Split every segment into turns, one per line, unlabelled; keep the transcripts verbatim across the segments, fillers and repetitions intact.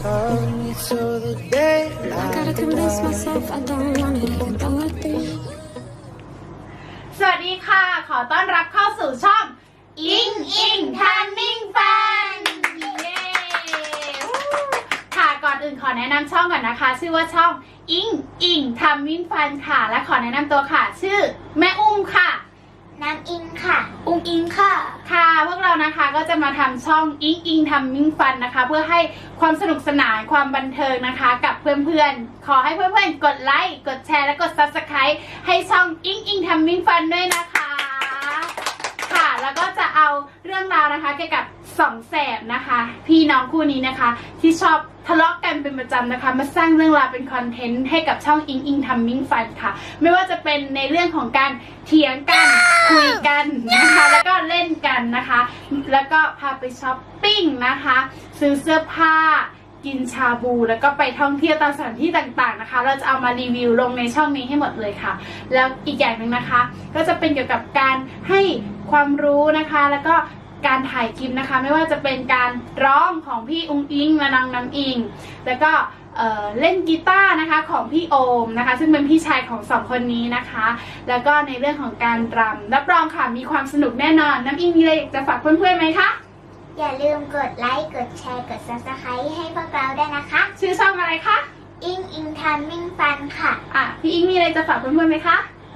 สวัสดีค่ะขอต้อนรับเข้าสู่ช่องอิงอิงทัมมิ่งฟันเย้ค่ะก่อนอื่นขอแนะนำช่องก่อนนะคะชื่อว่าช่องอิงอิงทัมมิ่งฟันค่ะและขอแนะนำตัวค่ะชื่อแม่อุ้มค่ะ
น้ำอิงค่ะอุ้งอิงค่ะ
ค่ะพวกเรานะคะก็จะมาทำช่องอิงอิงทัมมิ่งฟันนะคะเพื่อให้ความสนุกสนานความบันเทิงนะคะกับเพื่อนๆขอให้เพื่อนๆกดไลค์กดแชร์และกด ซับสไครบ์ ให้ช่องอิงอิงทัมมิ่งฟันด้วยนะคะค่ะแล้วก็จะเอาเรื่องราวนะคะเกี่ยวกับสองแสบนะคะพี่น้องคู่นี้นะคะที่ชอบทะเลาะกันเป็นประจำนะคะมาสร้างเรื่องราวเป็นคอนเทนต์ให้กับช่องอิงอิงทัมมิ่งฟันค่ะไม่ว่าจะเป็นในเรื่องของการเถียงกันคุยกันนะคะแล้วก็เล่นกันนะคะแล้วก็พาไปช้อปปิ้งนะคะซื้อเสื้อผ้ากินชาบูแล้วก็ไปท่องเที่ยวตามสถานที่ต่างๆนะคะเราจะเอามารีวิวลงในช่องนี้ให้หมดเลยค่ะแล้วอีกอย่างหนึ่งนะคะก็จะเป็นเกี่ยวกับการให้ความรู้นะคะแล้วก็การถ่ายคลิปนะคะไม่ว่าจะเป็นการร้องของพี่อุ้งอิงและน้องน้ำอิงแล้วก็เอ่อเล่นกีตาร์นะคะของพี่โอมนะคะซึ่งเป็นพี่ชายของสองคนนี้นะคะแล้วก็ในเรื่องของการรำรับรองค่ะมีความสนุกแน่นอนน้ำอิงมีอะไรจะฝากเพื่อนๆไหมคะ
อย่าลืมกดไลค์กดแชร์กด ซับสไครบ์ ให้พวกเราด้วยนะคะ
ชื่อช่องอะไรคะ
อิงอิงทัมมิ่งฟันค่ะ
อ่ะพี่อิงมีอะไรจะฝากเพื่อนๆไหมคะ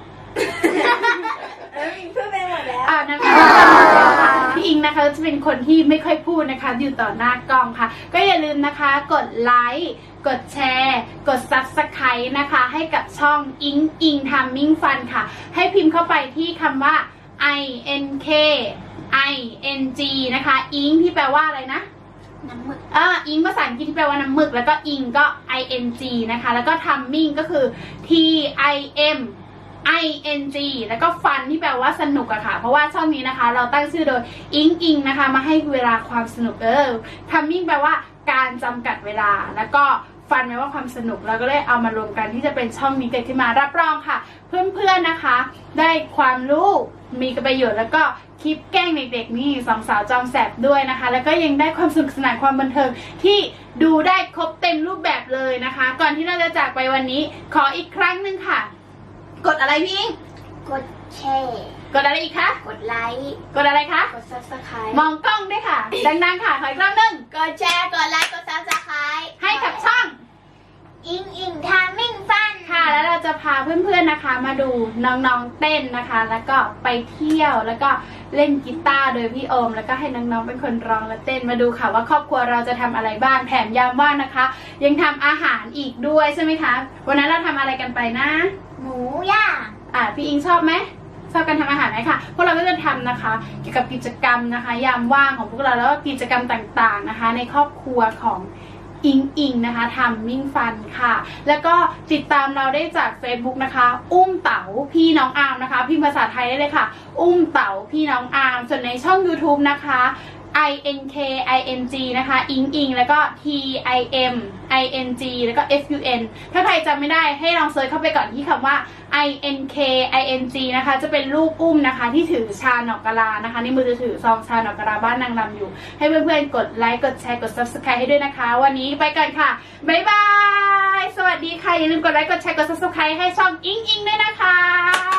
พูดไปหมดแล้ว
อ่านะคะพี่อิงนะคะจะเป็นคนที่ไม่ค่อยพูดนะคะอยู่ต่อหน้ากล้องค่ะก็อย่าลืมนะคะกดไลค์กดแชร์กด ซับสไครบ์ นะคะให้กับช่องอิงอิงทัมมิ่งฟันค่ะให้พิมพ์เข้าไปที่คำว่า I N K I N G นะคะอิงที่แปลว่าอะไรนะ
น้ำหมึก
อ่าอิงภาษาอังกฤษที่แปลว่าน้ำหมึกแล้วก็อิงก็ I N G นะคะแล้วก็ทัมมิ่งก็คือ T I M I N G แล้วก็ฟันที่แปลว่าสนุกอะค่ะเพราะว่าช่องนี้นะคะเราตั้งชื่อโดยอิงอิงนะคะมาให้เวลาความสนุกเออทัมมิ่งแปลว่าการจำกัดเวลาแล้วก็ฟันแปลว่าความสนุกแล้วก็เลยเอามารวมกันที่จะเป็นช่องนี้เกิดขึ้นมารับรองค่ะเพื่อนๆนะคะได้ความรู้มีประโยชน์แล้วก็คลิปแกล้งเด็กๆนี่สองสาวจอมแสบด้วยนะคะแล้วก็ยังได้ความสนุกสนานความบันเทิงที่ดูได้ครบเต็มรูปแบบเลยนะคะก่อนที่เราจะจากไปวันนี้ขออีกครั้งหนึ่งค่ะกดอะไรพี่อิง
กดแชร์
กดอะไรอีกคะ
กดไลค์
กดอะไรคะ
กด ซับสไครบ์
มองกล้องด้วยค่ะดังๆค่ะขออีกรอบหนึ่ง
กดแชร์กดไลค์กด ซับสไครบ์
ให้กับช่อง
อิงอิงทัมมิ่งฟัน
ค่ะแล้วเราจะพาเพื่อนๆนะคะมาดูน้องๆเต้นนะคะแล้วก็ไปเที่ยวแล้วก็เล่นกีตาร์โดยพี่โอมแล้วก็ให้น้องๆเป็นคนร้องและเต้นมาดูค่ะว่าครอบครัวเราจะทำอะไรบ้างแถมยามว่างนะคะยังทำอาหารอีกด้วยใช่ไหมคะวันนั้นเราทำอะไรกันไปนะ
หมูย่าง
อ่ะพี่อิงชอบไหมชอบการทำอาหารไหมคะพวกเราก็จะทำนะคะเกี่ยวกับกิจกรรมนะคะยามว่างของพวกเราแล้วก็กิจกรรมต่างๆนะคะในครอบครัวของอิงอิงนะคะทำมิ่งฟันค่ะแล้วก็ติดตามเราได้จาก เฟซบุ๊ก นะคะอุ้มเต๋าพี่น้องอาร์มนะคะพิมพ์ภาษาไทยได้เลยค่ะอุ้มเต๋าพี่น้องอาร์มส่วนในช่อง ยูทูบ นะคะ I N K I N G นะคะอิงอิงแล้วก็ T I M I N G แล้วก็ F U N ถ้าใครจำไม่ได้ให้ลองเซิร์ชเข้าไปก่อนที่คำว่า I N K I N G นะคะจะเป็นรูปอุ้มนะคะที่ถือชาหนอกกะลานะคะในมือจะถือซองชาหนอกกะลาบ้านนางรำอยู่ให้เพื่อนๆกดไลค์กดแชร์กด ซับสไครบ์ ให้ด้วยนะคะวันนี้ไปกันค่ะบ๊ายบายสวัสดีค่ะอย่าลืมกดไลค์กดแชร์กด ซับสไครบ์ ให้ช่องอิงอิงด้วยนะคะ